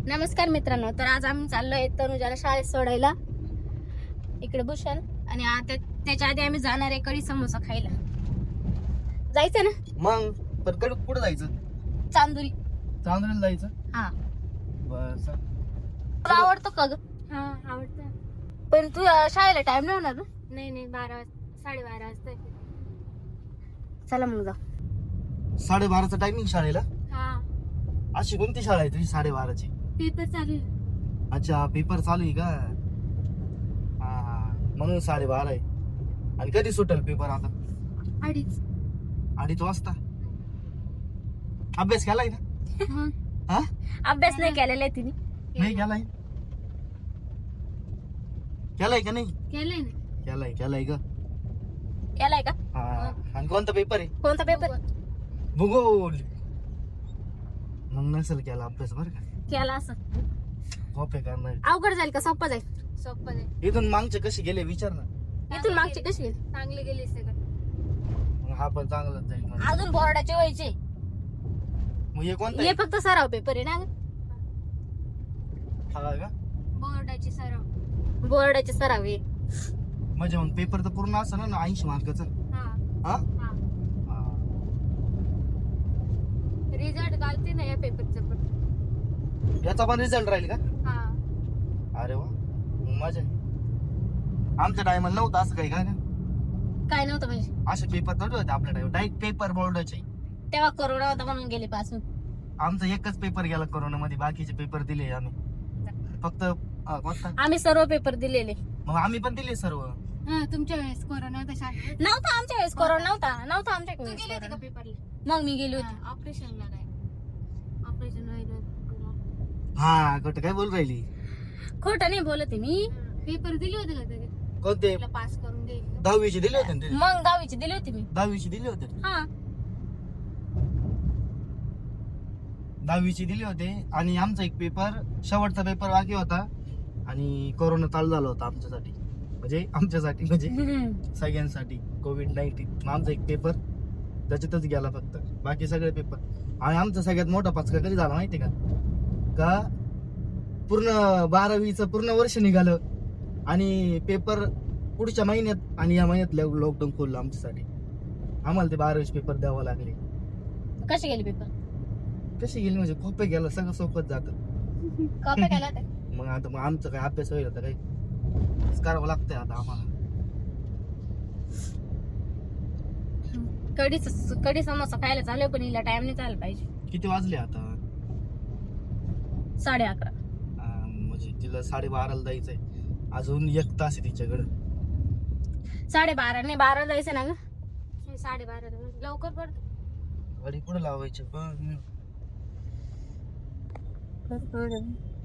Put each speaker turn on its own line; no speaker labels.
नमस्कार मित्रांनो, तर आज आम्ही चाललोय तनुजाला शाळेत सोडायला. इकडे भूषण आणि आता त्याच्या आधी आम्ही जाणार आहे कढी समोसा खायला. जायचं ना?
मग पण कुठं जायचं?
चांदुरी.
चांदूरला जायचं.
हा
बस
तुला आवडतो का ग?
हा आवडतं.
पण तू शाळेला टाइम नाही होणार ना?
नाही 12:30 वाजता.
चला मग जाऊ.
12:30चा टायमिंग शाळेला.
हा
अशी कोणती शाळा आहे तुझी 12:30ची?
पेपर चालू आहे.
अच्छा, पेपर चालू आहे का? हा म्हणून 12:30 आहे. आणि कधी सुटेल पेपर? आता
2:30
वाजता. अभ्यास केलाय ना? हा
अभ्यास नाही केलेला आहे तिने.
नाही केलाय? केलाय का नाही?
केलंय ना.
केलाय का?
केलाय का?
हा. आणि कोणता पेपर आहे?
कोणता पेपर?
भूगोल. मग नसेल केला अभ्यास बरं का.
केला असं
कॉपी करणार.
अवघड जाईल का सोपं जाईल?
सोपं आहे.
इथून मागचे कसे गेले विचार ना.
इथून मागची कशी गेली?
चांगले गेले सगळं.
मग हा पण चांगलाच जाईल म्हणजे.
अजून बोर्डाचे व्हायचे.
मग हे कोणता
हे
आहे?
फक्त सराव पेपर आहे ना ग?
हा का?
बोर्डाची सराव.
बोर्डाचे सराव आहे.
म्हणजे मग पेपर तर पूर्ण असं ना 80 मार्काचा.
हा
हा
हा रिझल्ट घालते ना या पेपरचं पण.
याचा पण रिझल्ट राहील का?
हा
अरे वा, मजा आहे. आमच्या टायमाला नव्हतं असं काही का?
काय नव्हतं म्हणजे
असे पेपर थोडे होते आपल्या टाइम. डायरेक्ट पेपर बोर्डाचे.
तेव्हा कोरोना होता म्हणून गेले पासून.
आमचा एकच पेपर गेला कोरोना मध्ये. बाकीचे पेपर दिले आम्ही फक्त. कोणता?
आम्ही सर्व पेपर दिलेले.
मग आम्ही पण दिले सर्व.
हा तुमच्या वेळेस कोरोना होता शाळेत.
नव्हता आमच्या वेळेस कोरोना नव्हता आमच्या
तू
वेळेस
गेली होती का
कोरोना.
पेपरला?
मग मी गेली होती.
ऑपरेशनला काय ऑपरेशन व्हायला.
हा कुठं काय बोल राहिली?
खोटं नाही बोलत आहे मी.
पेपर दिले होते का तरी?
कोणते?
तुला पास करून देईल.
10वीचे दिले होते ना ते?
मग 10वीची दिली होती मी.
10वीचे दिले होते.
हा
10वीचे दिले होते. आणि आमचा एक पेपर, शेवटचा पेपर बाकी होता. आणि कोरोना चालू झाला होता आमच्यासाठी. म्हणजे सगळ्यांसाठी कोविड-19. आमचा एक पेपर त्याच्यातच गेला फक्त. बाकी सगळे पेपर. आणि आमचा सगळ्यात मोठा पचका कधी झाला माहिती का? पूर्ण 12वीचं पूर्ण वर्ष निघालं आणि पेपर पुढच्या महिन्यात. आणि या महिन्यात लॉकडाऊन खोललं आमच्यासाठी. आम्हाला ते 12वीचे पेपर द्यावं लागले.
कसे गेले पेपर?
कशी गेली म्हणजे खोपे गेलं, सगळं सोपत जातं.
कॉप्या केला होत्या?
मग आमचं काय अभ्यास होईल आता? काही करावं लागतंय आता आम्हाला.
कढी समोसा खायला चालू पण हिला टाइम नाही चालला पाहिजे.
किती वाजले आता?
11:30.
म्हणजे तिला 12:30ला जायचंय. अजून 1 तास आहे तिच्याकडे.
12:30 नाही 12 जायचं ना ग.
12:30 लवकर पडतो.
गाडी पुढे लावायची पण.